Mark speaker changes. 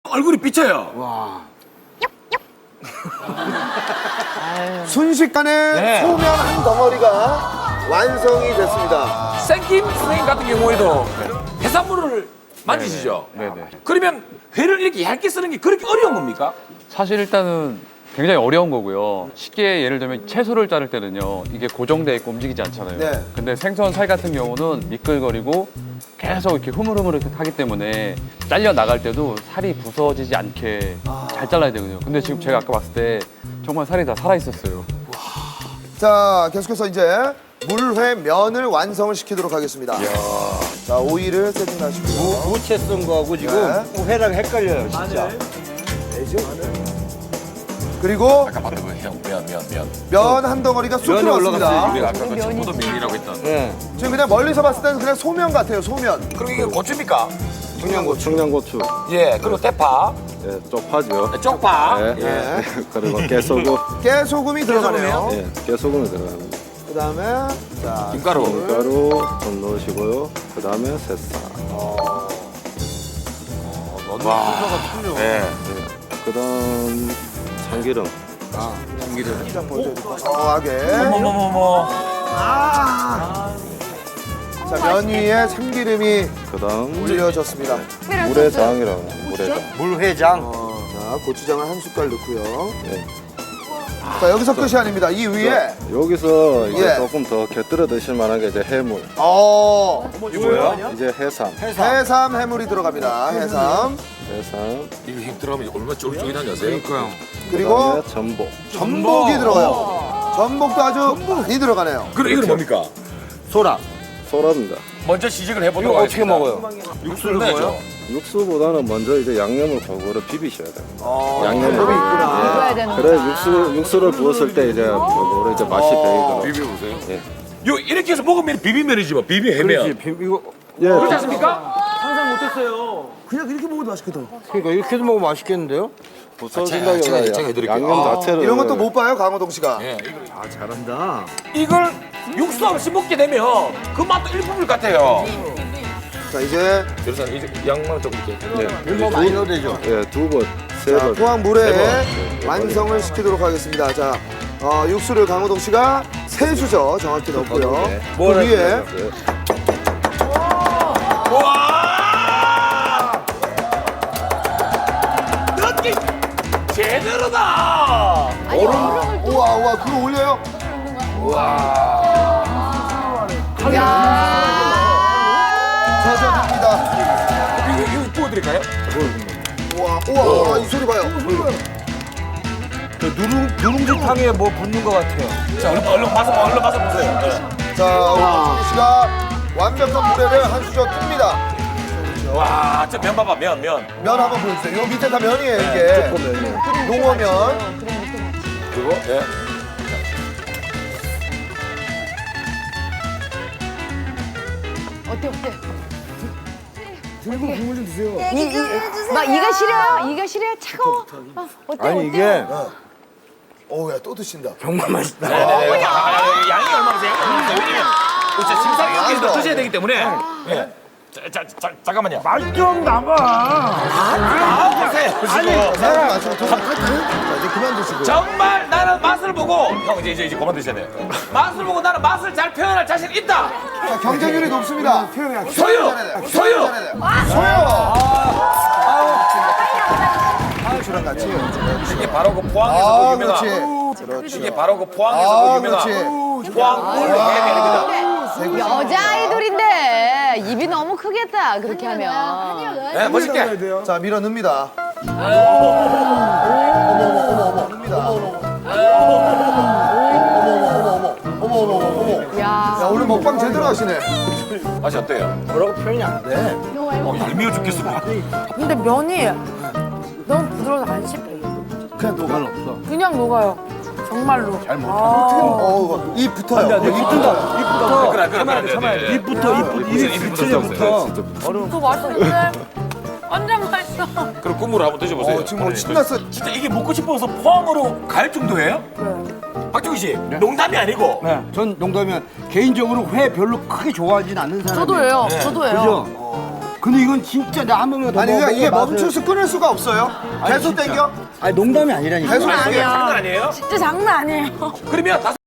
Speaker 1: 얼굴이 삐쳐요.
Speaker 2: 순식간에
Speaker 1: 네.
Speaker 2: 소면 한 덩어리가 완성이 됐습니다.
Speaker 1: 생김 선생님 같은 경우에도 해산물을 만지시죠?
Speaker 3: 네네.
Speaker 1: 그러면 회를 이렇게 얇게 쓰는 게 그렇게 어려운 겁니까?
Speaker 3: 사실 일단은 굉장히 어려운 거고요. 쉽게 예를 들면 채소를 자를 때는요, 이게 고정돼 있고 움직이지 않잖아요.
Speaker 2: 네.
Speaker 3: 근데 생선 살 같은 경우는 미끌거리고 계속 이렇게 흐물흐물 이렇게 하기 때문에 잘려 나갈 때도 살이 부서지지 않게 잘 잘라야 되거든요. 근데 지금 제가 아까 봤을 때 정말 살이 다 살아 있었어요.
Speaker 2: 자, 계속해서 이제 물회 면을 완성을 시키도록 하겠습니다. 자, 오이를 세팅하시고요.
Speaker 4: 무채 쓴 거하고 지금 회랑 헷갈려요, 진짜.
Speaker 2: 그리고
Speaker 1: 잠깐만, 면.
Speaker 2: 면 한 덩어리가 쑥
Speaker 4: 면이
Speaker 2: 들어갔습니다.
Speaker 4: 올라갔어요,
Speaker 1: 우리가 아까 그 청포도 면이라고 했던.
Speaker 4: 네.
Speaker 2: 지금 그냥 멀리서 봤을 때는 그냥 소면 같아요, 소면.
Speaker 1: 그리고 이게 고추입니까?
Speaker 5: 청양고추,
Speaker 1: 예, 그리고 대파,
Speaker 5: 예, 쪽파죠.
Speaker 1: 쪽파.
Speaker 5: 예,
Speaker 1: 예.
Speaker 5: 그리고 깨소금,
Speaker 2: 깨소금이 들어가네요.
Speaker 5: 예, 깨소금이 들어갑니다.
Speaker 2: 그다음에 자,
Speaker 1: 김가루.
Speaker 5: 밀가루 좀 넣으시고요. 그 다음에 새싹.
Speaker 1: 예.
Speaker 5: 그 다음 참기름.
Speaker 2: 고소하게.
Speaker 1: 어머머머머.
Speaker 2: 자, 면 위에 참기름이
Speaker 5: 그 다음
Speaker 2: 올려졌습니다.
Speaker 5: 물회장이라고. 물회장.
Speaker 4: 물회장.
Speaker 2: 자, 고추장을 한 숟갈 넣고요.
Speaker 5: 예.
Speaker 2: 자, 여기서 끝이 아닙니다. 이 위에
Speaker 5: 여기서 이제
Speaker 2: 예.
Speaker 5: 조금 더 곁들여 드실 만한 게 이제 해물.
Speaker 2: 이거요?
Speaker 5: 이제 해삼.
Speaker 2: 해삼 해물이 들어갑니다. 해삼.
Speaker 5: 해삼.
Speaker 1: 이거 힘 들어가면 얼마나 쫄깃쫄깃한지 아세요? 그러니까요.
Speaker 2: 그리고
Speaker 5: 그다음에 전복.
Speaker 2: 전복이 들어가요. 전복도 아주 많이 들어가네요.
Speaker 1: 그럼 이건 뭡니까?
Speaker 4: 소라.
Speaker 5: 소라입니다.
Speaker 1: 먼저 시식을 해보도록
Speaker 4: 이거 어떻게
Speaker 1: 하겠습니다.
Speaker 4: 먹어요?
Speaker 1: 육수를 내죠.
Speaker 5: 육수보다는 먼저 이제 양념을 골고루 비비셔야 돼요. 양념을.
Speaker 2: 방법이 있구나.
Speaker 5: 예. 그래 육수를 부었을 때 이제 골고루 이제 맛이 배이도록.
Speaker 1: 비벼보세요.
Speaker 5: 예.
Speaker 1: 요 이렇게 해서 먹으면 비빔면이지 뭐 비빔해면.
Speaker 4: 이거
Speaker 5: 예.
Speaker 1: 그렇지 않습니까?
Speaker 2: 그냥 이렇게 먹어도 맛있거든.
Speaker 4: 그러니까 이렇게 해도 먹으면 맛있겠는데요?
Speaker 5: 부서진다기보다
Speaker 1: 제가 해드릴게요.
Speaker 5: 양념 자체를
Speaker 2: 이런 것도 못 봐요, 강호동 씨가.
Speaker 1: 예.
Speaker 4: 잘한다.
Speaker 1: 이걸 육수 없이 먹게 되면 그 맛도 일품일 같아요.
Speaker 2: 자, 이제
Speaker 1: 그래서 이제 양만 좀 이렇게.
Speaker 4: 뭐 많이 넣어도 되죠?
Speaker 5: 예, 두 번, 세
Speaker 2: 자,
Speaker 5: 번.
Speaker 2: 포항 물회
Speaker 5: 네,
Speaker 2: 완성을 시키도록 하겠습니다. 자, 육수를 강호동 씨가 세 수저 정확히 넣고요. 그 위에
Speaker 5: 예.
Speaker 1: 와! 느낌 제대로다.
Speaker 2: 우와, 우와, 그거 올려요? 젖어듭니다.
Speaker 1: 이거 부어드릴까요?
Speaker 2: 우와, 우와, 우와, 이 소리 봐요.
Speaker 4: 누룽지탕에 뭐 붙는 것 같아요.
Speaker 1: 자, 얼른 맛을 보세요. 네.
Speaker 2: 자, 강호동 씨가 완벽한 물회를 한 수저 뜹니다.
Speaker 1: 와, 저 면 봐봐, 면.
Speaker 2: 면 한번 보여주세요. 요 밑에 다 면이에요, 이게. 농어면.
Speaker 1: 그리고 예.
Speaker 6: 어때? 들고 국물 좀 드세요. 막 이가 시려요? 이가 시려요? 차가워? 어때?
Speaker 4: 아니 이게
Speaker 2: 어우, 야, 또 드신다.
Speaker 4: 정말 맛있다.
Speaker 1: 네네네. 양이 얼마세요? 왜냐면 진짜 심사위원께서
Speaker 2: 아,
Speaker 1: 드셔야 되기 때문에. 예. 잠깐만요.
Speaker 4: 좀 남아.
Speaker 1: 보세요.
Speaker 2: 사람 마시고 더 자, 이제 그만 드시고.
Speaker 1: 정말 나는 맛을 보고 형 이제 그만 드셔야 돼요. 맛을 보고 나는 맛을 잘 표현할 자신 있다.
Speaker 2: 자, 경쟁률이 높습니다.
Speaker 1: 소유.
Speaker 2: 주랑 같이.
Speaker 1: 이게 바로 그 포항에서 그
Speaker 2: 그렇지.
Speaker 1: 유명한.
Speaker 2: 그렇지.
Speaker 1: 이게 바로 그 포항에서 그
Speaker 2: 그렇지.
Speaker 1: 유명한 포항 해면입니다.
Speaker 6: 여자 아이돌인데 입이 너무 크겠다 그렇게 하면.
Speaker 1: 네, 멋있게.
Speaker 2: 자, 밀어 넣습니다.
Speaker 6: 야.
Speaker 2: 야, 오늘 먹방 제대로 하시네.
Speaker 1: 맛이 어때요?
Speaker 4: 뭐라고 표현이 안 돼.
Speaker 1: 얄미워 죽겠어.
Speaker 7: 근데 면이 너무 부드러워서 안 씹혀요.
Speaker 2: 그냥 녹아.
Speaker 7: 그냥 녹아요. 정말로. 잘 먹어.
Speaker 2: 어우, 입 붙어요. 입 붙어요.
Speaker 1: 그래.
Speaker 4: 입부터 입
Speaker 1: 붙어.
Speaker 7: 또 맛있는데? 완전 맛있어.
Speaker 1: 그럼 국물을 한번 드셔보세요.
Speaker 2: 지금 뭐 신났어.
Speaker 1: 진짜 이게 먹고 싶어서 포항으로 갈 정도예요? 박정희 씨, 농담이 아니고.
Speaker 4: 네, 전 농담이면 개인적으로 회 별로 크게 좋아하진 않는 사람이에요.
Speaker 7: 저도예요. 저도예요.
Speaker 4: 그죠? 근데 이건 진짜 나 한 번만 더
Speaker 2: 아니,
Speaker 4: 먹어.
Speaker 2: 그러니까 이게 멈춰서 끊을 수가 없어요. 계속 땡겨?
Speaker 4: 아니 농담이 아니라니까.
Speaker 2: 계속 땡겨.
Speaker 1: 장난 아니에요?
Speaker 7: 진짜 장난 아니에요.
Speaker 1: 그러면